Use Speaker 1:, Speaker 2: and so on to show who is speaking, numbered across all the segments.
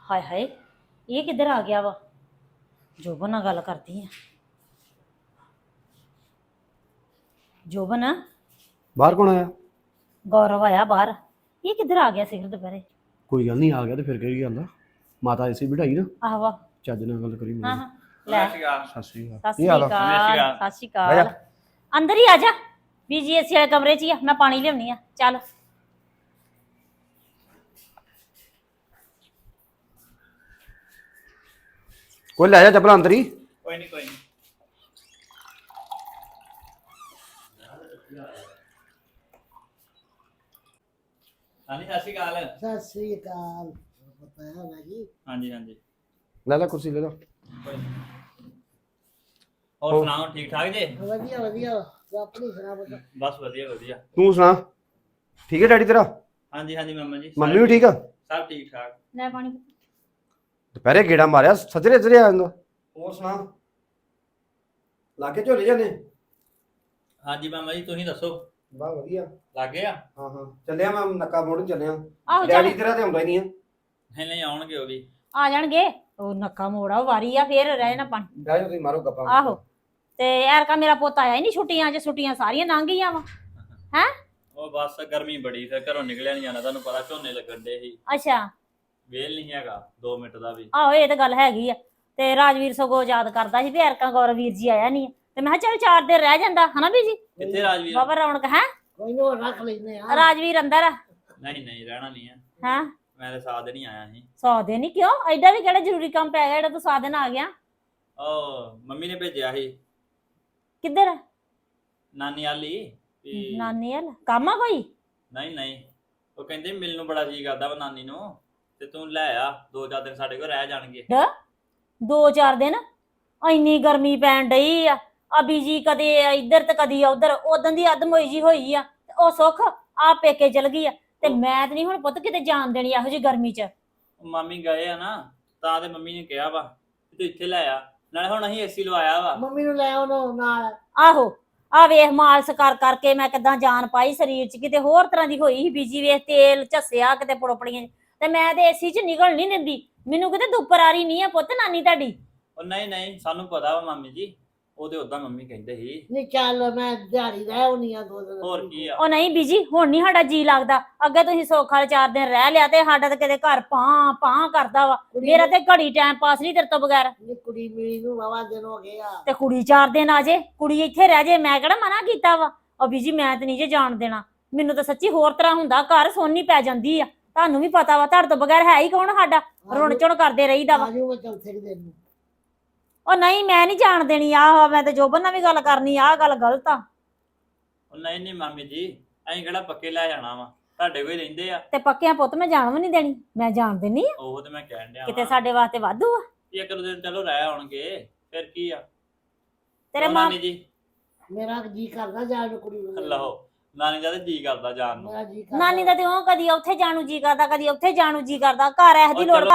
Speaker 1: ਹਾਏ ਹਾਏ, ਇਹ ਕਿੱਧਰ ਆ ਗਿਆ ਵਾ? ਜੋਬਨ ਨਾਲ ਗੱਲ ਕਰਦੀ ਆ। ਜੋਬਨ,
Speaker 2: ਬਾਹਰ ਕੌਣ ਆਇਆ?
Speaker 1: ਗੌਰਵ ਆਇਆ ਬਾਹਰ। ਇਹ ਕਿੱਧਰ ਆ ਗਿਆ ਸਿਖਰ ਦੁਪਹਿਰੇ?
Speaker 2: ਕੋਈ ਗੱਲ ਨਹੀਂ, ਆ ਗਿਆ ਤੇ ਫਿਰ ਕਿਹੜੀ ਗੱਲ ਆ। ਮਾਤਾ ਐਸੀ ਬਿਠਾਈ ਨਾ,
Speaker 1: ਆਹਵਾ।
Speaker 2: ਚੱਜ ਨਾਲ ਗੱਲ ਕਰੀ।
Speaker 1: ਹਾਂ ਹਾਂ, ਲੈ
Speaker 2: ਸਤਿ ਸ਼੍ਰੀ ਅਕਾਲ।
Speaker 1: ਸਤਿ ਸ਼੍ਰੀ
Speaker 2: ਕੀ ਹਾਲ ਆ?
Speaker 1: ਅਕਾਲ। ਸਤਿ ਸ਼੍ਰੀ ਅਕਾਲ। ਅੰਦਰ ਹੀ ਆ ਜਾ। ਬੀਜੀ ਏਸੀ ਵਾਲੇ ਕਮਰੇ 'ਚ ਹੀ ਆ, ਮੈਂ ਪਾਣੀ ਲਿਆਉਣੀ ਆ। ਚੱਲ
Speaker 2: ਕੋਈ ਲੈ ਜਾ ਚੱਪਲਾਂ ਅੰਦਰ ਹੀ।
Speaker 3: ਕੋਈ ਨਹੀਂ ਕੋਈ ਨਹੀਂ। ਹਾਂਜੀ ਸਤਿ ਸ਼੍ਰੀ ਅਕਾਲ।
Speaker 4: ਸਤਿ ਸ੍ਰੀ ਅਕਾਲ। ਪਤਾ ਹੈ ਨਾ ਜੀ।
Speaker 3: ਹਾਂਜੀ ਹਾਂਜੀ
Speaker 2: ਲੈ ਲੈ ਕੁਰਸੀ ਲੈ ਲੈ।
Speaker 3: ਕੋਈ ਨੀ। ਹੋਰ ਸੁਣਾਓ, ਠੀਕ ਠਾਕ ਜੇ?
Speaker 4: ਵਧੀਆ ਵਧੀਆ। ਤੂੰ ਆਪਣੀ ਸੁਣਾ ਬਤਾ।
Speaker 3: ਬਸ ਵਧੀਆ ਵਧੀਆ।
Speaker 2: ਤੂੰ ਸੁਣਾ, ਠੀਕ ਹੈ ਡੈਡੀ ਤੇਰਾ?
Speaker 3: ਹਾਂਜੀ ਹਾਂਜੀ ਮਾਮਾ ਜੀ,
Speaker 2: ਮੰਮੀ ਵੀ ਠੀਕ ਆ?
Speaker 3: ਸਭ ਠੀਕ ਠਾਕ।
Speaker 1: ਲੈ ਪਾਣੀ।
Speaker 2: ਦੁਪਹਿਰੇ ਗੇੜਾ ਮਾਰਿਆ, ਸੱਜਰੇ ਸੱਜਰੇ ਆ ਜਾਂਦਾ। ਹੋਰ ਸੁਣਾ, ਲਾਗੇ ਝੋਲੇ ਜਾਂਦੇ?
Speaker 3: ਹਾਂਜੀ ਮਾਮਾ ਜੀ, ਤੁਸੀਂ ਦੱਸੋ,
Speaker 2: ਬਾ ਵਧੀਆ।
Speaker 3: ਲੱਗੇ ਆ?
Speaker 2: ਹਾਂ ਹਾਂ, ਚੱਲਿਆ ਮੈਂ ਨੱਕਾ ਮੋੜਨ ਚੱਲਿਆ।
Speaker 1: ਆਹੋ
Speaker 2: ਡੈਡੀ
Speaker 1: ਚੱਲ,
Speaker 2: ਤੇਰਾ ਤੇ ਆਉਂਦਾ ਹੀ ਨਹੀਂ ਆ।
Speaker 3: ਨਹੀਂ ਨਹੀਂ ਆਉਣਗੇ ਉਹ ਵੀ।
Speaker 1: ਆ ਜਾਣਗੇ। ਉਹ ਨੱਕਾ ਮੋੜਾ ਵਾਰੀ ਆ, ਫੇਰ ਰਹਿ ਨਾ ਪਾਣੀ।
Speaker 2: ਬਹਿ ਜਾ ਤੁਸੀਂ, ਮਾਰੋ ਗੱਪਾਂ।
Speaker 1: ਆਹੋ, ਤੇ ਐਰਕਾ ਮੇਰਾ ਪੁੱਤ ਆਇਆ ਹੀ ਨਹੀਂ ਛੁੱਟੀਆਂ 'ਚ। ਛੁੱਟੀਆਂ ਸਾਰੀਆਂ ਲੰਘ ਗਈਆਂ ਵਾ। ਹੈ
Speaker 3: ਉਹ ਬਸ ਗਰਮੀ ਬੜੀ, ਫਿਰ ਘਰੋਂ ਨਿਕਲਿਆ ਨਹੀਂ ਜਾਣਾ। ਤੁਹਾਨੂੰ ਪਤਾ ਝੋਨੇ ਲੱਗਣ ਦੇ ਸੀ,
Speaker 1: ਅੱਛਾ।
Speaker 3: ਵੇਲ ਨਹੀਂ ਹੈਗਾ 2 ਮਿੰਟ ਦਾ ਵੀ।
Speaker 1: ਆਹੋ, ਇਹ ਤਾਂ ਗੱਲ ਹੈਗੀ ਆ। ਤੇ ਰਾਜਵੀਰ ਸਗੋਂ ਯਾਦ ਕਰਦਾ ਸੀ ਵੀ ਐਰਕਾ ਗੌਰਵ ਵੀਰ ਜੀ ਆਇਆ ਨਹੀਂ। ਤੇ ਮੈਂ ਕਿਹਾ ਚੱਲ 4 ਦਿਨ ਰਹਿ ਜਾਂਦਾ, ਹਨਾ ਬੀਜੀ?
Speaker 3: ਕਿੱਥੇ ਰਾਜਵੀਰ?
Speaker 1: ਬਾਬਾ ਰੌਣਕ ਹੈ।
Speaker 4: ਕੋਈ ਨਾ ਰੱਖ ਲੈਨੇ ਆ।
Speaker 1: ਰਾਜਵੀਰ ਅੰਦਰ ਆ।
Speaker 3: ਨਹੀਂ ਨਹੀਂ ਰਹਿਣਾ ਨਹੀਂ ਹੈ।
Speaker 1: ਹੈ
Speaker 3: ਮੈਂ ਤਾਂ ਸਾਥ ਨਹੀਂ ਆਇਆ ਸੀ।
Speaker 1: 100 ਦਿਨ ਹੀ ਕਿਉਂ? ਐਡਾ ਵੀ ਕਿਹੜਾ ਜ਼ਰੂਰੀ ਕੰਮ ਪੈ ਗਿਆ ਜਿਹੜਾ ਤੂੰ 100 ਦਿਨ ਆ ਗਿਆ?
Speaker 3: ਉਹ ਮੰਮੀ ਨੇ ਭੇਜਿਆ ਸੀ
Speaker 1: ਕਿੱਧਰ?
Speaker 3: ਨਾਨੀ ਵਾਲੀ ਵੀ।
Speaker 1: ਨਾਨੀ ਵੱਲ ਕੰਮ ਆ ਕੋਈ?
Speaker 3: ਨਹੀਂ ਨਹੀਂ, ਉਹ ਕਹਿੰਦੇ ਮਿਲਣ ਨੂੰ ਬੜਾ ਜੀ ਕਰਦਾ ਵਾ ਨਾਨੀ ਨੂੰ, ਤੇ ਤੂੰ ਲੈ ਆ 2-4 ਦਿਨ ਸਾਡੇ ਕੋਲ ਰਹਿ ਜਾਣਗੇ।
Speaker 1: 2-4 ਦਿਨ? ਇੰਨੀ ਗਰਮੀ ਪੈਣ ਡਈ ਆ। ਬੀਜੀ ਕਦੇ ਇੱਧਰ ਤੇ ਕਦੀ ਉਧਰ। ਉਦੋਂ ਦੀ ਅਦਮੋਈ ਜੀ ਹੋਈ ਆ। ਤੇ ਉਹ ਸੁੱਖ ਆ ਪੇਕੇ ਚਲ ਗਈ ਆ। ਤੇ ਮੈਂ ਤੇ ਨਹੀਂ ਹੁਣ ਪੁੱਤ ਕਿਤੇ ਜਾਣ ਦੇਣੀ ਇਹੋ ਜਿਹੀ ਗਰਮੀ 'ਚ।
Speaker 3: ਉਹ ਮਾਮੀ ਗਏ ਆ ਨਾ, ਤਾਂ ਤੇ ਮੰਮੀ ਨੇ ਕਿਹਾ ਵਾ ਕਿ ਤੂੰ ਇੱਥੇ ਲੈ ਆ। ਨਾਲੇ ਹੁਣ ਅਸੀਂ ਏਸੀ ਲਵਾਇਆ ਵਾ।
Speaker 4: ਮੰਮੀ ਨੂੰ ਲੈ ਆਉਣਾ ਨਾਲ।
Speaker 1: ਆਹੋ, ਆ ਵੇਖ ਮਾਲਸ ਕਰ ਕਰਕੇ ਮੈਂ ਕਿਦਾਂ ਜਾਨ ਪਾਈ ਸਰੀਰ 'ਚ। ਕਿਤੇ ਹੋਰ ਤਰ੍ਹਾਂ ਦੀ ਹੋਈ ਸੀ ਬੀਜੀ। ਵੇਖ ਤੇਲ ਝੱਸਿਆ ਕਿਤੇ ਪੁੜਪੜੀਆਂ। ਤੇ ਮੈਂ ਤੇ ਏਸੀ 'ਚ ਨਿਕਲ ਨਹੀਂ ਦਿੰਦੀ। ਮੈਨੂੰ ਕਿਤੇ ਦੁੱਪਰ ਆ ਰਹੀ ਨਹੀਂ ਆ ਪੁੱਤ ਨਾਨੀ ਤੁਹਾਡੀ।
Speaker 3: ਉਹ ਨਹੀਂ ਨਹੀਂ, ਸਾਨੂੰ ਪਤਾ ਵਾ ਮਾਮੀ ਜੀ। ਉਹ ਤੇ ਉਦਾਂ ਮੰਮੀ ਕਹਿੰਦੇ ਸੀ।
Speaker 4: ਨਹੀਂ ਚੱਲ ਮੈਂ ਦਿਹਾੜੀ ਰਹਿ ਆਉਣੀ ਆ 2 ਦਿਨ।
Speaker 3: ਹੋਰ ਕੀ ਆ।
Speaker 1: ਉਹ ਨਹੀਂ ਬੀਜੀ, ਹੁਣ ਨਹੀਂ ਸਾਡਾ ਜੀ ਲੱਗਦਾ। ਅੱਗੇ ਤੁਸੀਂ ਸੌਖਾ 4 ਦਿਨ ਰਹਿ ਲਿਆ ਤੇ ਸਾਡਾ ਤੇ ਕਿਤੇ ਘਰ ਪਾਂ ਪਾਂ ਕਰਦਾ ਵਾ। ਮੇਰਾ ਤੇ ਘੜੀ ਟਾਈਮ ਪਾਸ ਨਹੀਂ ਤੇਰੇ ਤੋਂ ਬਗੈਰ।
Speaker 4: ਨੀ ਕੁੜੀ ਮਿਲੀ ਨੂੰ ਵਾਵਾ ਦਿਨ ਹੋ ਗਏ ਆ।
Speaker 1: ਤੇ ਕੁੜੀ 4 ਦਿਨ ਆ ਜੇ, ਕੁੜੀ ਇੱਥੇ ਰਹਿ ਜੇ। ਮੈਂ ਕਿਹੜਾ ਮਨਾ ਕੀਤਾ ਵਾ? ਉਹ ਬੀਜੀ ਮੈਂ ਤੇ ਨਹੀਂ ਜੇ ਜਾਣ ਦੇਣਾ। ਮੈਨੂੰ ਤਾਂ ਸੱਚੀ ਹੋਰ ਤਰ੍ਹਾਂ ਹੁੰਦਾ, ਘਰ ਸੋਨੀ ਪੈ ਜਾਂਦੀ ਆ। ਤੁਹਾਨੂੰ ਵੀ ਪਤਾ ਵਾ, ਤੁਹਾਡੇ ਤੋਂ ਬਗੈਰ ਹੈ ਹੀ ਕੌਣ ਸਾਡਾ? ਰੁਣ ਚੁਣ ਕਰਦੇ ਰਹੀਦਾ ਵਾ।
Speaker 4: ਆਜੂ ਮੈਂ ਚੌਥੇ ਦਿਨ ਨੂੰ।
Speaker 1: ਉਹ ਨਹੀਂ, ਮੈਂ ਨਹੀਂ ਜਾਣ ਦੇਣੀ। ਆਹ ਮੈਂ ਤੇ ਜੋਬਨ ਨਾਲ ਵੀ ਗੱਲ ਕਰਨੀ। ਆਹ ਗੱਲ ਗਲਤ ਆ।
Speaker 3: ਉਹ ਨਹੀਂ ਨਹੀਂ ਮਾਮੀ ਜੀ, ਅਸੀਂ ਕਿਹੜਾ ਪੱਕੇ ਲੈ ਜਾਣਾ ਵਾ, ਤੁਹਾਡੇ ਕੋਲ ਹੀ ਰਹਿੰਦੇ ਆ।
Speaker 1: ਤੇ ਪੱਕਿਆਂ ਪੁੱਤ ਮੈਂ ਜਾਣ ਵੀ ਨਹੀਂ ਦੇਣੀ। ਮੈਂ ਜਾਣ ਦੇਣੀ ਆ।
Speaker 3: ਉਹ ਤੇ ਮੈਂ ਕਹਿਣ ਡਿਆ
Speaker 1: ਕਿਤੇ
Speaker 3: ਵਾਂ।
Speaker 1: ਸਾਡੇ ਵਾਸਤੇ ਵਾਧੂ ਆ।
Speaker 3: ਇੱਕ ਦੋ ਦਿਨ ਚਲੋ ਰਹਿ ਆਉਣਗੇ, ਫਿਰ ਕੀ ਆ।
Speaker 1: ਤੇਰੇ
Speaker 3: ਉਹ
Speaker 1: ਮਾਂ
Speaker 3: ਨਾਨੀ ਜੀ,
Speaker 4: ਮੇਰਾ ਜੀ ਕਰਦਾ ਜਾਣ ਨੂੰ ਕੁੜੀ ਨੂੰ।
Speaker 3: ਲਓ ਨਾਨੀ ਦਾ ਤੇ ਜੀ ਕਰਦਾ ਜਾਣ ਨੂੰ।
Speaker 4: ਮੇਰਾ ਜੀ ਕਰਦਾ।
Speaker 1: ਨਾਨੀ ਦਾ ਤੇ ਉਹ ਕਦੀ ਉੱਥੇ ਜਾਣ ਨੂੰ ਜੀ ਕਰਦਾ, ਕਦੀ ਉੱਥੇ ਜਾਣ ਨੂੰ ਜੀ ਕਰਦਾ। ਘਰ ਐਸ ਦੀ
Speaker 3: ਉਹ
Speaker 1: ਲੋੜ।
Speaker 3: ਚਲੋ।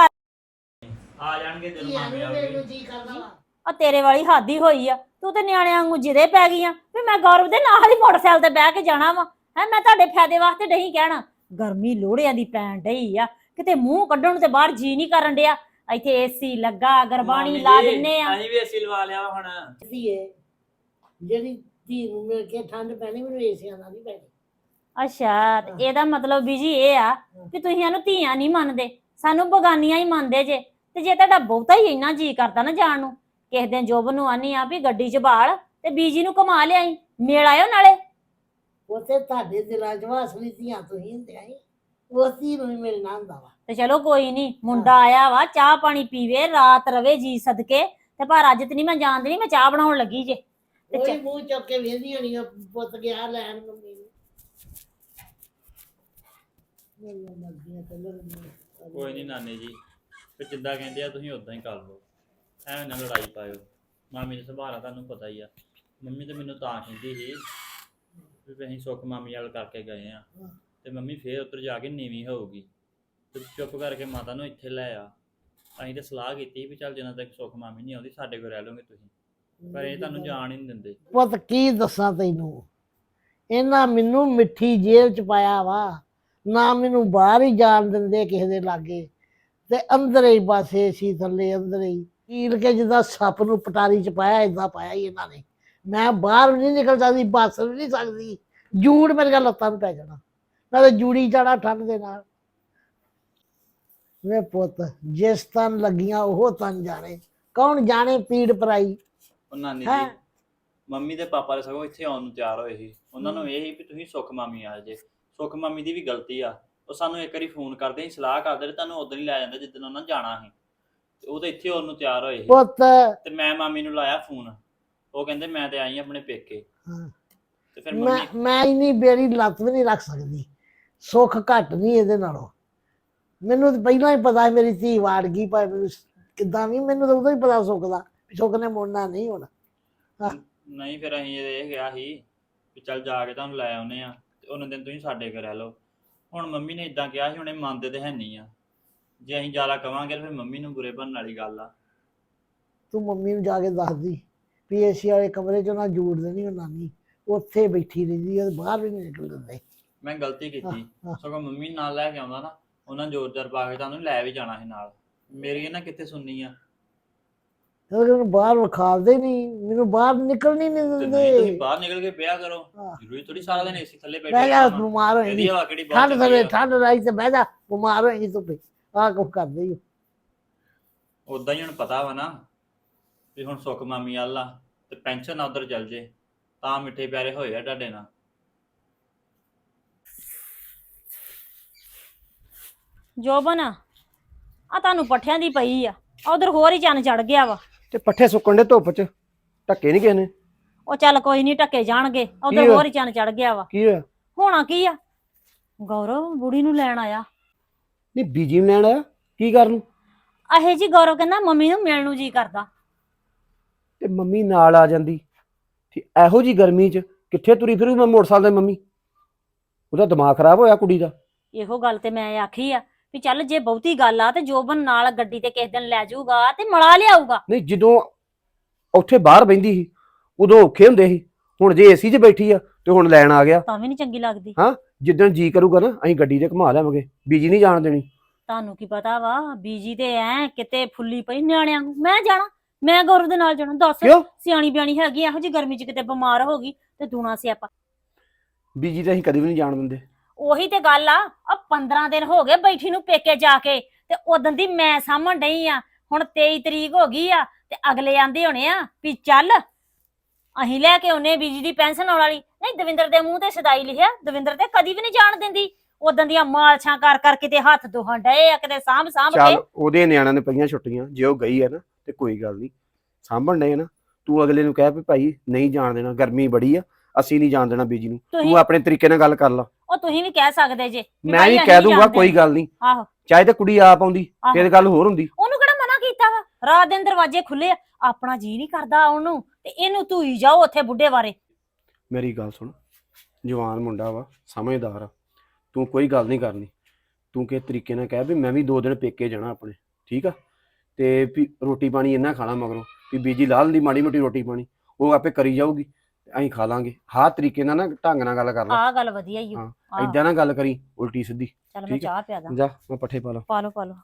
Speaker 3: ਆ ਜਾਣਗੇ ਜਦੋਂ
Speaker 4: ਧੀਆਂ
Speaker 3: ਮਾਮੀ
Speaker 4: ਨੂੰ
Speaker 3: ਆਉਣਗੇ।
Speaker 4: ਮੈਨੂੰ ਜੀ ਕਰਦਾ ਵਾ।
Speaker 1: ਆ ਤੇਰੇ ਵਾਲੀ ਹੱਦ ਹੀ ਹੋਈ ਆ। ਤੂੰ ਤੇ ਨਿਆਣਿਆਂ ਵਾਂਗੂ ਜਿਦੇ ਪੈ ਗਈ ਆ ਵੀ ਮੈਂ ਗੌਰਵ ਦੇ ਨਾਲ ਹੀ ਮੋਟਰਸਾਈਕਲ ਤੇ ਬਹਿ ਕੇ ਜਾਣਾ ਵਾ। ਹੈ ਮੈਂ ਤੁਹਾਡੇ ਫਾਇਦੇ ਵਾਸਤੇ ਨਹੀਂ ਕਹਿਣਾ। ਗਰਮੀ ਲੋੜਿਆਂ ਦੀ ਪੈਣ ਡਈ ਆ। ਕਿਤੇ ਮੂੰਹ ਕੱਢਣ ਨੂੰ ਤੇ ਬਾਹਰ ਜੀ ਨਹੀਂ ਕਰਨ ਡਿਆ। ਇੱਥੇ ਏਸੀ ਲੱਗਾ, ਗਰਬਾਣੀ
Speaker 3: ਮਾਮੀ
Speaker 1: ਲਾ
Speaker 3: ਜੀ,
Speaker 1: ਦਿੰਨੇ ਆ।
Speaker 3: ਅਸੀਂ ਵੀ ਏਸੀ ਲਵਾ ਲਿਆ ਵਾ ਹੁਣ।
Speaker 4: ਧੀਏ ਜਿਹੜੀ ਧੀ ਨੂੰ ਮਿਲ ਕੇ ਠੰਡ ਪੈਣੀ, ਮੈਨੂੰ ਏਸੀਆਂ ਨਾਲ ਨਹੀਂ ਪੈਣੀ।
Speaker 1: ਅੱਛਾ, ਤੇ ਇਹਦਾ ਮਤਲਬ ਬੀਜੀ ਇਹ ਆ ਕਿ ਤੁਸੀਂ ਇਹਨੂੰ ਧੀਆਂ ਨਹੀਂ ਮੰਨਦੇ, ਸਾਨੂੰ ਬਗਾਨੀਆਂ ਹੀ ਮੰਨਦੇ ਜੇ। ਤੇ ਜੇ ਤੁਹਾਡਾ ਬਹੁਤਾ ਹੀ ਇੰਨਾ ਜੀ ਕਰਦਾ ਨਾ ਜਾਣ ਨੂੰ, ਕਿਸੇ ਦਿਨ ਜੋਬਨ ਨੂੰ ਆਨੀ ਆ ਵੀ ਗੱਡੀ 'ਚ ਬਾਲ ਤੇ ਬੀਜੀ ਨੂੰ ਘੁਮਾ ਲਿਆਈ, ਮੇਲ ਆਇਓ ਨਾਲੇ।
Speaker 4: ਉੱਥੇ ਤੁਹਾਡੇ ਦਿਲਾਂ 'ਚ ਵਾਸਨੀ ਧੀਆਂ ਤੁਸੀਂ ਹੁੰਦੀਆਂ ਸੀ। ਉਸ ਧੀ ਨੂੰ ਵੀ ਮਿਲਣਾ ਹੁੰਦਾ ਵਾ।
Speaker 1: ਤੇ ਚਲੋ ਕੋਈ ਨਹੀਂ, ਮੁੰਡਾ ਆਇਆ ਵਾ, ਚਾਹ ਪਾਣੀ ਪੀਵੇ, ਰਾਤ ਰਵੇ ਜੀ ਸਦਕੇ। ਤੇ ਪਰ ਅੱਜ ਤੇ ਨਹੀਂ ਮੈਂ ਜਾਣਦੀ, ਮੈਂ ਚਾਹ ਬਣਾਉਣ ਲੱਗੀ ਜੇ। ਤੇ
Speaker 4: ਕੋਈ ਮੂੰਹ ਚੁੱਕ ਕੇ ਵੇਂਦੀ ਹੋਣੀ ਆ, ਪੁੱਤ ਗਿਆ ਲੈਣ ਮੰਮੀ ਨੂੰ। ਮੇਰੀਆਂ ਮਰਜ਼ੀਆਂ ਤੇ ਲੜਦੀਆਂ।
Speaker 3: ਕੋਈ ਨਹੀਂ ਨਾਨੀ ਜੀ, ਫਿਰ ਜਿੱਦਾਂ ਕਹਿੰਦੇ ਆ ਤੁਸੀਂ ਉਦਾਂ ਹੀ ਕਰ ਲਓ। ਐਵੇਂ ਨਾ ਲੜਾਈ ਪਾਇਓ। ਮਾਮੀ ਦਾ ਸੁਭਾਅ ਆ ਤੁਹਾਨੂੰ ਪਤਾ ਹੀ ਆ। ਮੰਮੀ ਤੇ ਮੈਨੂੰ ਤਾਂ ਕਹਿੰਦੀ ਸੀ ਵੀ ਅਸੀਂ ਸੁੱਖ ਮਾਮੀ ਵਾਲ ਕਰਕੇ ਗਏ ਆ, ਤੇ ਮੰਮੀ ਫੇਰ ਉੱਧਰ ਜਾ ਕੇ ਨੀਵੀਂ ਹੋਊਗੀ, ਤੇ ਚੁੱਪ ਕਰਕੇ ਮਾਤਾ ਨੂੰ ਇੱਥੇ ਲੈ ਆ। ਅਸੀਂ ਤਾਂ ਸਲਾਹ ਕੀਤੀ ਵੀ ਚੱਲ ਜਿੰਨਾ ਤੱਕ ਸੁੱਖ ਮਾਮੀ ਨਹੀਂ ਆਉਂਦੀ ਸਾਡੇ ਕੋਲ ਰਹਿ ਲਓਗੇ ਤੁਸੀਂ, ਪਰ ਇਹ ਤੁਹਾਨੂੰ ਜਾਣ ਹੀ ਨਹੀਂ ਦਿੰਦੇ।
Speaker 4: ਪੁੱਤ ਕੀ ਦੱਸਾਂ ਤੈਨੂੰ, ਇਹਨਾਂ ਮੈਨੂੰ ਮਿੱਠੀ ਜੇਲ੍ਹ 'ਚ ਪਾਇਆ ਵਾ। ਨਾ ਮੈਨੂੰ ਬਾਹਰ ਹੀ ਜਾਣ ਦਿੰਦੇ ਕਿਸੇ ਦੇ ਲਾਗੇ। ਤੇ ਅੰਦਰ ਹੀ ਬਸ ਏਸੀ ਥੱਲੇ ਅੰਦਰ ਹੀ ਕੀਲ ਕੇ ਜਿੱਦਾਂ ਸੱਪ ਨੂੰ ਪਟਾਰੀ ਚ ਪਾਇਆ ਏਦਾਂ ਪਾਇਆ ਹੀ ਇਹਨਾਂ ਨੇ। ਮੈਂ ਬਾਹਰ ਵੀ ਨਹੀਂ ਨਿਕਲ ਸਕਦੀ, ਬੱਸ ਵੀ ਨਹੀਂ ਸਕਦੀ, ਜੂੜ ਮੇਰੇ ਲੱਤਾਂ ਨੂੰ ਪੈ ਜਾਣਾ, ਨਾਲੇ ਜੂੜੀ ਜਾਣਾ ਠੰਡ ਦੇ ਨਾਲ। ਵੇ ਪੁੱਤ ਜਿਸ ਤਨ ਲੱਗੀਆਂ ਉਹ ਤਨ ਜਾਣੇ, ਕੌਣ ਜਾਣੇ ਪੀੜ ਪਰਾਈ।
Speaker 3: ਉਹ ਨਾਨੀ
Speaker 4: ਹੈਂ?
Speaker 3: ਜੀ ਮੰਮੀ ਤੇ ਪਾਪਾ ਦੇ ਸਗੋਂ ਇੱਥੇ ਆਉਣ ਨੂੰ ਤਿਆਰ ਹੋਏ ਸੀ। ਉਹਨਾਂ ਨੂੰ ਇਹ ਸੀ ਵੀ ਤੁਸੀਂ ਸੁੱਖ ਮਾਮੀ ਆ ਜੇ। ਸੁੱਖ ਮਾਮੀ ਦੀ ਵੀ ਗਲਤੀ ਆ, ਉਹ ਸਾਨੂੰ ਇੱਕ ਵਾਰੀ ਫੋਨ ਕਰਦੇ ਸੀ, ਸਲਾਹ ਕਰਦੇ ਤੇ ਤੁਹਾਨੂੰ ਉਦੋਂ ਹੀ ਲੈ ਜਾਂਦਾ ਜਿੱਦਣ ਉਹਨਾਂ ਜਾਣਾ ਸੀ। ਤੇ ਉਹ ਤਾਂ ਇੱਥੇ ਆਉਣ ਨੂੰ ਤਿਆਰ ਹੋਏ ਸੀ
Speaker 4: ਪੁੱਤ
Speaker 3: ਤੇ ਮੈਂ ਮਾਮੀ ਨੂੰ ਲਾਇਆ ਫੋਨ, ਉਹ ਕਹਿੰਦੇ ਮੈਂ ਤੇ ਆਈ ਆਪਣੇ ਪੇਕੇ।
Speaker 4: ਹਾਂ।
Speaker 3: ਤੇ ਫਿਰ
Speaker 4: ਮੈਂ
Speaker 3: ਮੰਮੀ
Speaker 4: ਮੈਂ ਇੰਨੀ ਬੇੜੀ ਲੱਤ ਵੀ ਨਹੀਂ ਰੱਖ ਸਕਦੀ, ਸੁੱਖ ਘੱਟ ਨਹੀਂ ਇਹਦੇ ਨਾਲੋਂ। ਮੈਨੂੰ ਤਾਂ ਪਹਿਲਾਂ ਹੀ ਪਤਾ ਸੀ ਮੇਰੀ ਧੀ ਵਾੜ ਗਈ, ਭਾਵੇਂ ਮੈਨੂੰ ਕਿੱਦਾਂ ਵੀ, ਮੈਨੂੰ ਤਾਂ ਉਦੋਂ ਹੀ ਪਤਾ ਸੁੱਖ ਦਾ, ਸੁੱਖ ਨੇ ਮੁੜਨਾ ਨਹੀਂ ਹੋਣਾ।
Speaker 3: ਨਹੀਂ ਫਿਰ ਅਸੀਂ ਇਹ ਕਿਹਾ ਸੀ ਵੀ ਚੱਲ ਜਾ ਕੇ ਤੁਹਾਨੂੰ ਲੈ ਆਉਨੇ ਆ ਤੇ ਉਹਨਾਂ ਦਿਨ ਤੁਸੀਂ ਸਾਡੇ ਘਰ ਰਹਿ ਲਓ। ਹੁਣ ਮੰਮੀ ਨੇ ਇਦਾਂ ਕਿਹਾ ਸੀ, ਹੁਣੇ ਮੰਨਦੇ ਤੇ ਹੈ ਨਹੀਂ ਆ। ਜੇ ਅਸੀਂ ਜ਼ਿਆਦਾ ਕਵਾਂਗੇ ਤਾਂ ਫਿਰ ਮੰਮੀ ਨੂੰ ਬੁਰੇ ਬਣਨ ਵਾਲੀ ਗੱਲ ਆ।
Speaker 4: ਤੂੰ ਮੰਮੀ ਨੂੰ ਜਾ ਕੇ ਦੱਸਦੀ ਵੀ ਏਸੀ ਵਾਲੇ ਕਮਰੇ 'ਚ ਉਹਨਾਂ ਜੂੜ ਦੇਣੀ ਉਹ ਨਾਨੀ, ਉੱਥੇ ਬੈਠੀ ਰਹਿੰਦੀ, ਉਹ ਬਾਹਰ ਵੀ ਨਹੀਂ ਨਿਕਲ ਦਿੰਦੇ।
Speaker 3: ਮੈਂ ਗਲਤੀ ਕੀਤੀ,
Speaker 4: ਹਾਂ।
Speaker 3: ਸਗੋਂ ਮੰਮੀ ਨਾਲ ਲੈ ਕੇ ਆਉਂਦਾ ਨਾ, ਉਹਨਾਂ ਜ਼ੋਰ ਜ਼ਾਰ ਪਾ ਕੇ ਤੁਹਾਨੂੰ ਲੈ ਵੀ ਜਾਣਾ ਸੀ ਨਾਲ। ਮੇਰੀ ਇਹਨਾਂ ਕਿੱਥੇ ਸੁਣਨੀ ਆ।
Speaker 4: ਉਹਨੂੰ ਬਾਹਰ ਵਿਖਾਲਦੇ ਨਹੀਂ, ਮੈਨੂੰ ਬਾਹਰ ਨਿਕਲਣੀ ਨਹੀਂ
Speaker 3: ਤੇ ਨਹੀਂ ਤੁਸੀਂ
Speaker 4: ਦਿੰਦੇ।
Speaker 3: ਬਾਹਰ ਨਿਕਲ ਕੇ ਵਿਆਹ ਕਰੋ,
Speaker 4: ਹਾਂ।
Speaker 3: ਜ਼ਰੂਰੀ ਥੋੜੀ ਸਾਰਾ ਦਿਨ ਏਸੀ ਥੱਲੇ ਬੈਠੇ
Speaker 4: ਬਹਿ ਜਾ,
Speaker 3: ਰਹਿਣਾ ਵਾ।
Speaker 4: ਬਿਮਾਰ ਹੋ
Speaker 3: ਇਹਦੀ
Speaker 4: ਜਾਂਦੀ,
Speaker 3: ਹਵਾ ਕਿਹੜੀ ਬਹੁਤ
Speaker 4: ਠੰਡ
Speaker 3: ਚੰਗੀ
Speaker 4: ਥਲੇ
Speaker 3: ਆ।
Speaker 4: ਠੰਡ ਰਾਈ ਤੇ ਬਹਿ ਜਾ, ਬਿਮਾਰ ਹੋ ਜਾਂਦੀ ਧੁੱਪੇ। ਆਹ ਕੁਛ ਕਰਦੇ ਹੀ।
Speaker 3: ਉਦਾਂ ਹੀ ਹੁਣ ਪਤਾ ਵਾ ਨਾ ਵੀ ਹੁਣ ਸੁੱਖ ਮਾਮੀ ਵੱਲ ਆ ਤੇ ਪੈਨਸ਼ਨ ਨਾ ਉਧਰ ਚੱਲ ਜੇ, ਤਾਂ ਮਿੱਠੇ ਪਿਆਰੇ ਹੋਏ ਆ ਤੁਹਾਡੇ ਨਾਲ।
Speaker 1: ਜੋਬਨ ਆ ਤੁਹਾਨੂੰ ਪੱਠਿਆਂ ਦੀ ਪਈ ਆ, ਉਧਰ ਹੋਰ ਹੀ ਚੰਨ ਚੜ ਗਿਆ ਵਾ।
Speaker 2: ਤੇ ਪੱਠੇ ਸੁੱਕਣ ਦੇ ਧੁੱਪ 'ਚ, ਢੱਕੇ ਨਹੀਂ ਕਿਸੇ ਨੇ।
Speaker 1: ਉਹ ਚੱਲ ਕੋਈ ਨਹੀਂ, ਢੱਕੇ ਜਾਣਗੇ, ਉਧਰ
Speaker 2: ਹੋਇਆ?
Speaker 1: ਹੋਰ ਹੀ ਚੰਨ ਚੜ ਗਿਆ ਵਾ।
Speaker 2: ਕੀ ਹੋਇਆ?
Speaker 1: ਹੋਣਾ ਕੀ ਆ, ਗੌਰਵ ਬੁੜੀ ਨੂੰ ਲੈਣ ਆਇਆ।
Speaker 2: ਨਹੀਂ ਬੀਜੀ ਨੂੰ ਲੈਣ ਆਇਆ ਕੀ ਕਰਨ?
Speaker 1: ਅਹੇ ਜੀ ਗੌਰਵ ਕਹਿੰਦਾ ਮੰਮੀ ਨੂੰ ਮਿਲਣ ਨੂੰ ਜੀ ਕਰਦਾ।
Speaker 2: ਤੇ ਮੰਮੀ ਨਾਲ ਆ ਜਾਂਦੀ। ਇਹੋ ਜੀ ਗਰਮੀ 'ਚ ਕਿੱਥੇ ਤੁਰੀ ਫਿਰੂ ਮੈਂ ਮੋਟਰਸਾਈਕਲ ਤੇ ਮੰਮੀ? ਉਹਦਾ ਦਿਮਾਗ ਖਰਾਬ ਹੋਇਆ ਕੁੜੀ ਦਾ।
Speaker 1: ਇਹੋ ਗੱਲ ਤੇ ਮੈਂ ਆਖੀ ਆ ਵੀ ਚੱਲ ਜੇ ਬਹੁਤੀ ਗੱਲ ਆ ਤੇ ਜੋਬਨ ਨਾਲ ਗੱਡੀ ਤੇ ਕਿਸੇ ਦਿਨ ਲੈ ਜਾਊਗਾ ਤੇ ਮਲਾ ਲਿਆਊਗਾ।
Speaker 2: ਨਹੀਂ ਜਦੋਂ ਉੱਥੇ ਬਾਹਰ ਬਹਿੰਦੀ ਸੀ ਉਦੋਂ ਔਖੇ ਹੁੰਦੇ ਸੀ, ਹੁਣ ਜੇ ਏਸੀ 'ਚ ਬੈਠੀ ਆ ਤੇ ਹੁਣ ਲੈਣ ਆ ਗਿਆ।
Speaker 1: ਤਾਂ ਵੀ ਨਹੀਂ ਚੰਗੀ ਲੱਗਦੀ।
Speaker 2: ਹਾਂ ਜਿੱਦਣ ਜੀ ਕਰੂਗਾ ਨਾ ਅਸੀਂ ਗੱਡੀ ਤੇ ਘੁਮਾ ਲਿਆਵਾਂਗੇ, ਬੀਜੀ ਨਹੀਂ ਜਾਣ ਦੇਣੀ।
Speaker 1: ਤੁਹਾਨੂੰ ਕੀ ਪਤਾ ਵਾ, ਬੀਜੀ ਤੇ ਐ ਕਿਤੇ ਫੁੱਲੀ ਪਈ ਨਿਆਣਿਆਂ ਨੂੰ। ਮੈਂ ਜਾਣਾ, ਮੈਂ ਗੌਰਵ ਦੇ ਨਾਲ ਜਾਣਾ। ਦੱਸ,
Speaker 2: ਕਿਉਂ?
Speaker 1: ਸਿਆਣੀ ਬਿਆਣੀ ਹੈਗੀ, ਇਹੋ ਜੀ ਗਰਮੀ 'ਚ ਕਿਤੇ ਬਿਮਾਰ ਹੋ ਗਈ ਤੇ ਦੂਣਾ ਸਿਆਪਾ।
Speaker 2: ਬੀਜੀ ਤੇ ਅਸੀਂ ਕਦੇ ਵੀ ਨਹੀਂ ਜਾਣ ਦਿੰਦੇ।
Speaker 1: ਉਹੀ ਤੇ ਗੱਲ ਆ, 15 ਦਿਨ ਹੋ ਗਏ ਬੈਠੀ ਨੂੰ ਪੇਕੇ ਜਾ ਕੇ, ਤੇ ਉਦੋਂ ਦੀ ਮੈਂ ਸਾਂਭਣ ਡਈ ਆ। ਹੁਣ 23 ਤਰੀਕ ਹੋ ਗਈ ਆ ਤੇ ਅਗਲੇ ਆਂਦੇ ਹੋਣੇ ਆ ਵੀ ਚੱਲ ਅਸੀਂ ਲੈ ਕੇ ਆਉਨੇ ਬੀਜੀ ਦੀ ਪੈਨਸ਼ਨ ਆਉਣ ਵਾਲੀ। ਨਹੀਂ, ਦਵਿੰਦਰ ਦੇ ਮੂੰਹ ਤੇ ਸਦਾਈ ਲਿਖਿਆ, ਦਵਿੰਦਰ ਤੇ ਕਦੀ ਵੀ ਨਹੀਂ ਜਾਣ ਦਿੰਦੀ। ਉਦੋਂ ਦੀਆਂ ਮਾਲਸ਼ਾਂ ਕਰ ਕਰ ਕਿਤੇ ਹੱਥ ਦੋਹਾਂ ਡਏ ਆ, ਕਿਤੇ ਸਾਂਭ ਸਾਂਭ ਕੇ।
Speaker 2: ਚੱਲ ਉਹਦੇ ਨਿਆਣਿਆਂ ਨੇ ਪਈਆਂ ਛੁੱਟੀਆਂ, ਜੇ ਉਹ ਗਈ ਹੈ ਨਾ ਤੇ ਕੋਈ ਗੱਲ ਨਹੀਂ, ਸਾਂਭਣ ਡਏ ਨਾ। ਤੂੰ ਅਗਲੇ ਨੂੰ ਕਹਿ ਵੀ ਭਾਈ ਨਹੀਂ ਜਾਣ ਦੇਣਾ, ਗਰਮੀ ਬੜੀ ਆ, ਅਸੀਂ ਨਹੀਂ ਜਾਣ ਦੇਣਾ ਬੀਜੀ ਨੂੰ।
Speaker 1: ਤੁਸੀਂ
Speaker 2: ਤੂੰ ਆਪਣੇ ਤਰੀਕੇ ਨਾਲ ਗੱਲ ਕਰ ਲਾ।
Speaker 1: ਉਹ ਤੁਸੀਂ ਵੀ ਕਹਿ ਸਕਦੇ ਜੇ
Speaker 2: ਮੈਂ ਵੀ ਕਹਿ ਦੂੰਗਾ, ਕੋਈ ਗੱਲ ਨਹੀਂ।
Speaker 1: ਆਹੋ,
Speaker 2: ਚਾਹੇ ਤੇ ਕੁੜੀ ਆਪ ਆਉਂਦੀ ਫਿਰ ਗੱਲ ਹੋਰ ਹੁੰਦੀ।
Speaker 1: ਉਹਨੂੰ ਕਿਹੜਾ ਮਨਾ ਕੀਤਾ ਵਾ, ਰਾਤ ਦਿਨ ਦਰਵਾਜ਼ੇ ਖੁੱਲੇ ਆ। ਆਪਣਾ ਜੀ ਨਹੀਂ ਕਰਦਾ ਉਹਨੂੰ ਤੇ ਇਹਨੂੰ ਧੂਈ ਜਾਓ ਉੱਥੇ ਬੁੱਢੇ ਬਾਰੇ।
Speaker 2: ਮੇਰੀ ਗੱਲ ਸੁਣ, ਜਵਾਨ ਮੁੰਡਾ ਵਾ, ਸਮਝਦਾਰ ਆ, ਤੂੰ ਕੋਈ ਗੱਲ ਨਹੀਂ ਕਰਨੀ। ਤੂੰ ਕਿਸ ਤਰੀਕੇ ਨਾਲ ਕਹਿ ਵੀ ਮੈਂ ਵੀ 2 ਦਿਨ ਪੇਕੇ ਜਾਣਾ ਆਪਣੇ, ਠੀਕ ਆ, ਤੇ ਵੀ ਰੋਟੀ ਪਾਣੀ ਇੰਨਾ ਖਾਣਾ ਮਗਰੋਂ ਵੀ ਬੀਜੀ ਲਾ ਲੈਂਦੀ ਮਾੜੀ ਮੋਟੀ ਰੋਟੀ ਪਾਣੀ, ਉਹ ਆਪੇ ਕਰੀ ਜਾਊਗੀ, ਅਸੀਂ ਖਾ ਲਾਂਗੇ। ਹਾਂ ਤਰੀਕੇ ਨਾਲ ਨਾ ਢੰਗ ਨਾਲ ਗੱਲ ਕਰ ਲਾ।
Speaker 1: ਆਹ ਗੱਲ ਵਧੀਆ ਹੀ
Speaker 2: ਹਾਂ, ਏਦਾਂ ਨਾ ਗੱਲ ਕਰੀ ਉਲਟੀ ਸਿੱਧੀ।
Speaker 1: ਚੱਲ ਮੈਂ
Speaker 2: ਠੀਕ ਆ।
Speaker 1: ਚਾਹ ਪਿਆ ਦਾਂ।
Speaker 2: ਜਾ ਮੈਂ ਪੱਠੇ ਪਾ ਲਾ।
Speaker 1: ਪਾ ਲਓ ਪਾ ਲਓ।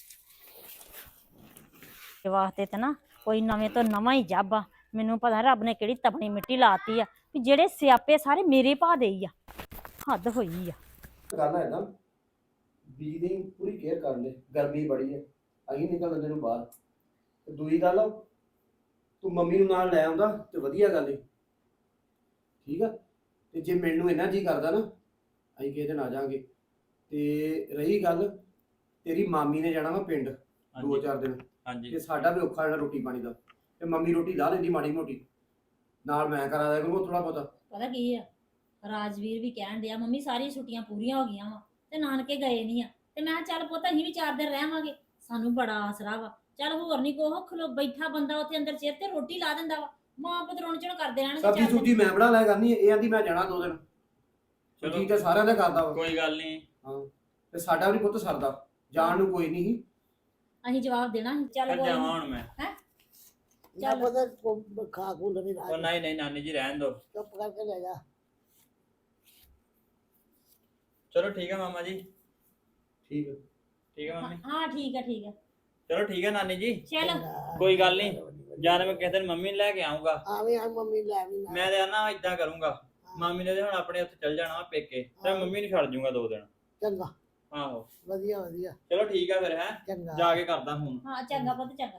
Speaker 1: ਇਹ ਵਾਸਤੇ ਤੇ ਨਾ ਕੋਈ ਨਵੇਂ ਤੋਂ ਨਵਾਂ ਹੀ ਜਾਬਾ। ਮੈਨੂੰ ਪਤਾ ਰੱਬ ਨੇ ਕਿਹੜੀ ਤਪਣੀ ਮਿੱਟੀ ਲਾਤੀ ਆ ਵੀ ਜਿਹੜੇ ਸਿਆਪੇ ਸਾਰੇ ਮੇਰੇ ਭਾ ਦੇ ਹੀ ਆ। ਹੱਦ ਹੋਈ ਆ।
Speaker 2: ਗੱਲ ਹੈ ਨਾ, ਬੀਜੀ ਦੀ ਪੂਰੀ ਕੇਅਰ ਕਰ ਲੈ, ਗਰਮੀ ਬੜੀ ਹੈ, ਅਸੀਂ ਨਿਕਲ ਲੈਂਦੇ ਨੂੰ ਬਾਹਰ। ਤੇ ਦੂਜੀ ਗੱਲ ਆ, ਤੂੰ ਮੰਮੀ ਨੂੰ ਨਾਲ ਲੈ ਆਉਂਦਾ ਤੇ ਵਧੀਆ ਗੱਲ ਹੈ, ਠੀਕ ਆ। ਤੇ ਜੇ ਮੈਨੂੰ ਇੰਨਾ ਜੀ ਕਰਦਾ ਨਾ, ਅਸੀਂ ਕਿਸੇ ਦਿਨ ਆ ਜਾਾਂਗੇ। ਤੇ ਰਹੀ ਗੱਲ, ਤੇਰੀ ਮਾਮੀ ਨੇ ਜਾਣਾ ਵਾ ਪਿੰਡ 2-4 ਦਿਨ,
Speaker 3: ਹਾਂਜੀ
Speaker 2: ਤੇ ਸਾਡਾ ਵੀ ਔਖਾ ਜਿਹੜਾ ਰੋਟੀ ਪਾਣੀ ਦਾ। ਤੇ ਮੰਮੀ ਰੋਟੀ ਲਾ ਲੈਂਦੀ ਮਾੜੀ ਮੋਟੀ, ਨਾਲ ਮੈਂ ਕਰਾ ਦਿਆ ਕਰੂੰਗਾ ਥੋੜਾ ਬਹੁਤਾ।
Speaker 1: ਪਤਾ ਕੀ ਆ, ਰਾਜਵੀਰ ਵੀ ਕਹਿਣ ਡਿਆ ਮੰਮੀ ਸਾਰੀਆਂ ਛੁੱਟੀਆਂ ਪੂਰੀਆਂ ਹੋ ਗਈਆਂ ਵਾ ਤੇ ਨਾਨਕੇ ਗਏ ਨਹੀਂ ਆ। ਤੇ ਮੈਂ ਕਿਹਾ ਚੱਲ ਪੁੱਤ ਅਸੀਂ ਵੀ 4 ਦਿਨ ਰਹਿਵਾਂਗੇ, ਸਾਨੂੰ ਬੜਾ ਆਸਰਾ ਵਾ। ਚੱਲ ਹੋਰ ਨਹੀਂ ਕੋਹ ਖਲੋ ਬੈਠਾ ਬੰਦਾ ਉੱਥੇ ਅੰਦਰ ਚੇਰ ਤੇ ਰੋਟੀ ਲਾ ਦਿੰਦਾ ਵਾ। ਮਾਂ ਪੁੱਤ ਰੋਣ ਚੜ ਕਰਦੇ ਰਹਿਣਗੇ।
Speaker 2: ਸਬਜ਼ੀ ਸੁਬਜੀ ਮੈਂ ਬਣਾ ਲਿਆ ਕਰਨੀ, ਇਹ ਆਂਦੀ ਮੈਂ ਜਾਣਾ 2 ਦਿਨ।
Speaker 3: ਚਲੋ
Speaker 2: ਠੀਕ ਹੈ, ਸਾਰਿਆਂ ਦਾ ਕਰਦਾ ਵਾ।
Speaker 3: ਕੋਈ ਗੱਲ ਨਹੀਂ।
Speaker 2: ਹਾਂ, ਤੇ ਸਾਡਾ ਵੀ ਪੁੱਤ ਸਰਦਾ, ਜਾਣ ਨੂੰ ਕੋਈ ਨਹੀਂ।
Speaker 1: ਅਸੀਂ ਜਵਾਬ ਦੇਣਾ ਸੀ। ਚੱਲ
Speaker 3: ਫਿਰ
Speaker 1: ਕੋਈ
Speaker 3: ਜਾਵਾਂ
Speaker 1: ਨੀ।
Speaker 3: ਹੁਣ ਮੈਂ।
Speaker 4: ਚੱਲ ਪਤਾ ਖਾ ਖੂ ਲਵੀ
Speaker 3: ਉਹ ਨਹੀਂ ਨਹੀਂ ਨਾਨੀ ਜੀ ਰਹਿਣ ਦਿਓ।
Speaker 4: ਚੁੱਪ ਕਰਕੇ ਲੈ ਜਾ।
Speaker 3: ਚਲੋ ਠੀਕ ਹੈ ਮਾਮਾ ਜੀ।
Speaker 2: ਠੀਕ ਹੈ।
Speaker 3: ਠੀਕ ਹੈ ਮੰਮੀ
Speaker 1: ਹਾਂ ਠੀਕ ਹੈ ਠੀਕ ਹੈ।
Speaker 3: ਚਲੋ ਠੀਕ ਹੈ ਨਾਨੀ ਜੀ
Speaker 1: ਚਲੋ
Speaker 3: ਕੋਈ ਗੱਲ ਨਹੀਂ ਜਦ ਮੈਂ ਕਿਸੇ ਦਿਨ ਮੰਮੀ ਨੂੰ ਲੈ ਕੇ ਆਉਂਗਾ
Speaker 4: ਆਵੇਂ ਆ ਮੰਮੀ ਲੈ ਵੀ
Speaker 3: ਮੈਂ ਤੇ ਆਨਾ ਇਦਾਂ ਕਰੂੰਗਾ ਮਾਮੀ ਨੇ ਤੇ ਹੁਣ ਆਪਣੇ ਉੱਥੇ ਚੱਲ ਜਾਣਾ ਵਾ ਪੇਕੇ ਤੇ ਮੰਮੀ ਨੂੰ ਛੱਡ ਜੂੰਗਾ 2 ਦਿਨ
Speaker 4: ਚੰਗਾ
Speaker 3: ਆਹੋ
Speaker 4: ਵਧੀਆ ਵਧੀਆ
Speaker 3: ਚਲੋ ਠੀਕ ਆ ਫਿਰ ਹੈ
Speaker 4: ਚੰਗਾ
Speaker 3: ਜਾ ਕੇ ਕਰਦਾ ਹੁਣ
Speaker 1: ਹਾਂ ਚੰਗਾ ਪੁੱਤ ਚੰਗਾ।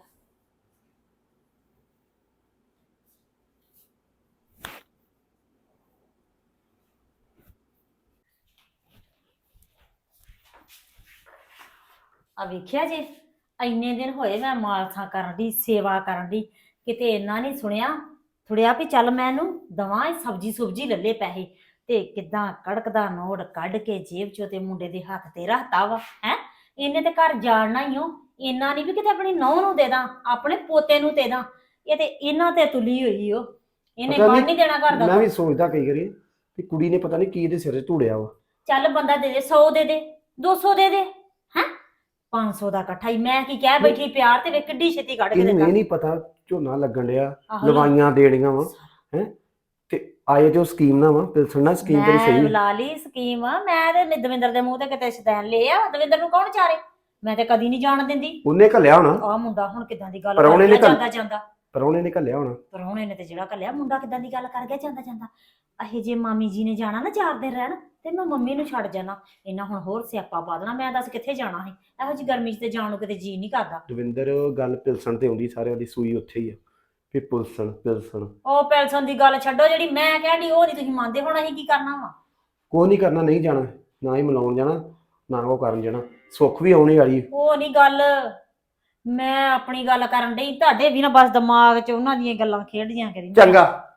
Speaker 1: ਆ ਵੇਖਿਆ ਜੇ ਇੰਨੇ ਦਿਨ ਹੋਏ ਮੈਂ ਮਾਲਥਾ ਕਰਨ ਦੀ ਸੇਵਾ ਕਰਨ ਦੀ ਕਿਤੇ ਇੰਨਾ ਨਹੀਂ ਥੁੜਿਆ ਵੀ ਚੱਲ ਮੈਂ ਇਹਨੂੰ ਦਵਾਂ ਇਹ ਸਬਜੀ ਸੁਬਜੀ ਲੱਲੇ ਪੈਸੇ ਤੇ ਕਿਦਾਂ ਕੜਕਦਾ ਨੋਟ ਕੱਢ ਕੇ ਜੇਬ ਚੋਂ ਤੇ ਮੁੰਡੇ ਦੇ ਹੱਥ ਤੇ ਰੱਖਤਾ ਵਾ ਹੈ। ਇਹਨੇ ਤੇ ਘਰ ਜਾਣਨਾ ਹੀ ਹੋ ਇੰਨਾ ਨਹੀਂ ਵੀ ਕਿਤੇ ਆਪਣੀ ਨੌਂ ਨੂੰ ਦੇ ਦਾਂ ਆਪਣੇ ਪੋਤੇ ਨੂੰ ਦੇ ਦਾਂ ਇਹ ਤੇ ਇਹਨਾਂ ਤੇ ਤੁਲੀ ਹੋਈ ਓ ਇਹਨੇ
Speaker 2: ਪਤਾ
Speaker 1: ਬਣ ਨਹੀਂ ਦੇਣਾ ਘਰ
Speaker 2: ਮੈਂ
Speaker 1: ਦਾ।
Speaker 2: ਵੀ ਸੋਚਦਾ ਕਈ ਵਾਰੀ ਵੀ ਕੁੜੀ ਨੇ ਪਤਾ ਨਹੀਂ ਕੀ ਇਹਦੇ ਸਿਰ 'ਚ ਧੂੜਿਆ ਵਾ।
Speaker 1: ਚੱਲ ਬੰਦਾ ਦੇ ਦੇ 100 ਦੇ ਦੇ 200 ਦੇ ਦੇ ਹੈ 500 ਦਾ ਇਕੱਠਾ ਹੀ ਮੈਂ ਕੀ ਕਹਿ ਬੈਠੀ ਪਿਆਰ ਤੇ ਵੇ ਕਿੱਡੀ ਛੇਤੀ ਕੱਢ ਕੇ
Speaker 2: ਇਹਨੂੰ
Speaker 1: ਦਿੱਤਾ।
Speaker 2: ਇਹ ਨਹੀਂ ਪਤਾ ਝੋਨਾ ਲੱਗਣ ਡਿਆ
Speaker 1: ਆਹੋ
Speaker 2: ਲਵਾਈਆਂ ਦੇਣੀਆਂ ਵਾ ਹੈ ਤੇ ਆਏ ਜੋ ਸਕੀਮ ਨਾ ਵਾ ਪਿਲਸਣ ਨਾਲ ਸਕੀਮ ਤੇਰੀ
Speaker 1: ਮੈਂ
Speaker 2: ਸਹੀ
Speaker 1: ਲਾ ਲਈ ਸਕੀਮ ਮੈਂ ਤੇ ਦਵਿੰਦਰ ਦੇ ਮੂੰਹ ਤੇ ਕਿਤੇ ਸ਼ਤੈਨ ਲਿਆ ਦਵਿੰਦਰ ਨੂੰ ਕੌਣ ਚਾਰੇ ਮੈਂ ਤੇ ਕਦੀ ਨਹੀਂ ਜਾਣ ਦਿੰਦੀ।
Speaker 2: ਉਹਨੇ ਘੱਲਿਆ ਹੋਣਾ
Speaker 1: ਆਹ ਮੁੰਡਾ ਹੁਣ ਕਿਦਾਂ ਦੀ ਗੱਲ
Speaker 2: ਪ੍ਰਾਹੁਣੇ
Speaker 1: ਕਰ
Speaker 2: ਨੇ
Speaker 1: ਗਿਆ
Speaker 2: ਘੱਲ-
Speaker 1: ਜਾਂਦਾ ਜਾਂਦਾ
Speaker 2: ਪਰੌਣੇ ਨੇ ਘੱਲਿਆ ਹੋਣਾ।
Speaker 1: ਪਰੌਣੇ ਨੇ ਤੇ ਜਿਹੜਾ ਕੱਲਿਆ ਮੁੰਡਾ ਕਿਦਾਂ ਦੀ ਗੱਲ ਕਰ ਗਿਆ ਜਾਂਦਾ ਜਾਂਦਾ ਅਹੇ ਜੇ ਮਾਮੀ ਜੀ ਨੇ ਜਾਣਾ ਨਾ 4 ਦਿਨ ਰਹਿਣ ਤੇ ਮੈਂ ਮੰਮੀ ਨੂੰ ਛੱਡ ਜਾਣਾ ਇਹਨਾਂ ਹੁਣ ਹੋਰ ਸਿਆਪਾ ਪਾ ਦੇਣਾ ਮੈਂ ਦੱਸ ਕਿੱਥੇ ਜਾਣਾ ਸੀ ਇਹੋ ਜਿਹੀ ਗਰਮੀ 'ਚ ਤੇ ਜਾਣ ਨੂੰ ਕਿਤੇ ਜੀ ਨਹੀਂ ਕਰਦਾ।
Speaker 2: ਦਵਿੰਦਰ ਗੱਲ ਪਿਲਸਣ ਤੇ ਆਉਂਦੀ ਸਾਰਿਆਂ ਦੀ ਸੂਈ ਉੱਥੇ ਹੀ ਆ ਵੀ ਪਿਲਸਣ
Speaker 1: ਉਹ ਪੈਲਸਨ ਦੀ ਗੱਲ ਛੱਡੋ ਜਿਹੜੀ ਮੈਂ ਕਹਿੰਦੀ ਉਹ ਨਹੀਂ ਤੁਸੀਂ ਮੰਨਦੇ ਹੁਣ ਅਸੀਂ ਕੀ ਕਰਨਾ ਵਾ।
Speaker 2: ਕੋਈ ਨਹੀਂ ਕਰਨਾ ਨਹੀਂ ਜਾਣਾ ਨਾ ਹੀ ਮਿਲਾਉਣ ਜਾਣਾ ਨਾ ਉਹ ਕਰਨ ਜਾਣਾ ਸੁੱਖ ਵੀ ਆਉਣੀ ਵਾਲੀ
Speaker 1: ਉਹ ਨਹੀਂ ਗੱਲ ਮੈਂ ਆਪਣੀ ਗੱਲ ਕਰਨ ਡਈ ਤੁਹਾਡੇ ਵੀ ਨਾ ਬਸ ਦਿਮਾਗ 'ਚ ਉਹਨਾਂ ਦੀਆਂ ਗੱਲਾਂ ਖੇਡਦੀਆਂ ਕਰੀ
Speaker 2: ਚੰਗਾ